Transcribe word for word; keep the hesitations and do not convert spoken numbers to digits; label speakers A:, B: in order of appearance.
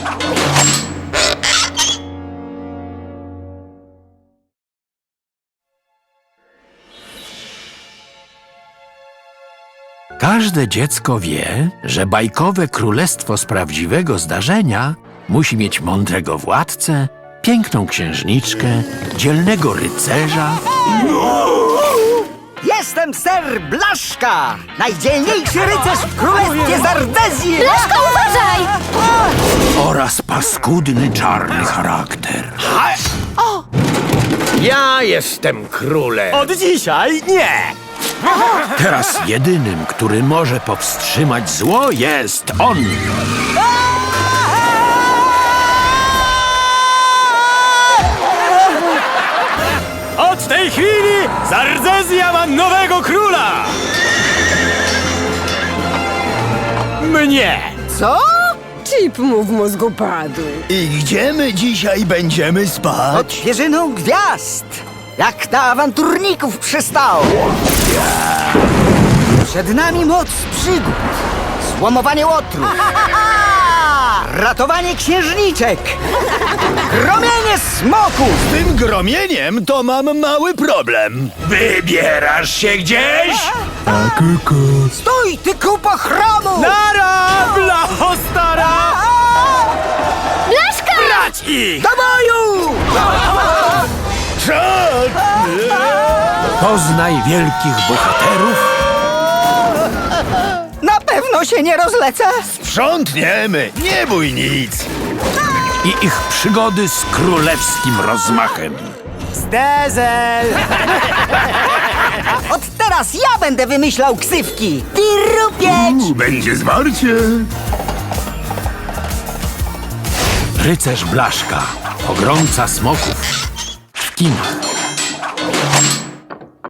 A: Każde dziecko wie, że bajkowe królestwo z prawdziwego zdarzenia musi mieć mądrego władcę, piękną księżniczkę, dzielnego rycerza
B: Jestem ser Blaszka, najdzielniejszy rycerz w królestwie Zardezji!
C: Blaszka, uważaj!
A: oraz paskudny czarny charakter.
D: Ja jestem królem.
B: Od dzisiaj nie!
A: Teraz jedynym, który może powstrzymać zło, jest on.
E: Od tej chwili Zardezja ma nowego króla! Mnie!
B: Co?
F: Chip mu w mózgu padł.
G: I gdzie my dzisiaj będziemy
B: Pod
G: spać?
B: świeżyną gwiazd! Jak na awanturników przystało! Przed nami moc przygód, złomowanie łotru, ratowanie księżniczek, gromienie smoków!
G: Z tym gromieniem to mam mały problem.
A: Wybierasz się gdzieś?
B: Stój, ty kupo chromu!
E: Nara, blacho stara!
C: Blaszka!
E: Brać ich!
B: Do boju!
A: Poznaj wielkich bohaterów
B: Na pewno się nie rozlecę!
G: Sprzątniemy, nie bój nic.
A: i ich przygody z królewskim rozmachem.
E: Zdezel!
B: Od teraz ja będę wymyślał ksywki! Pirupieć!
G: Będzie zwarcie.
A: Rycerz Blaszka, pogromca smoków w kinach.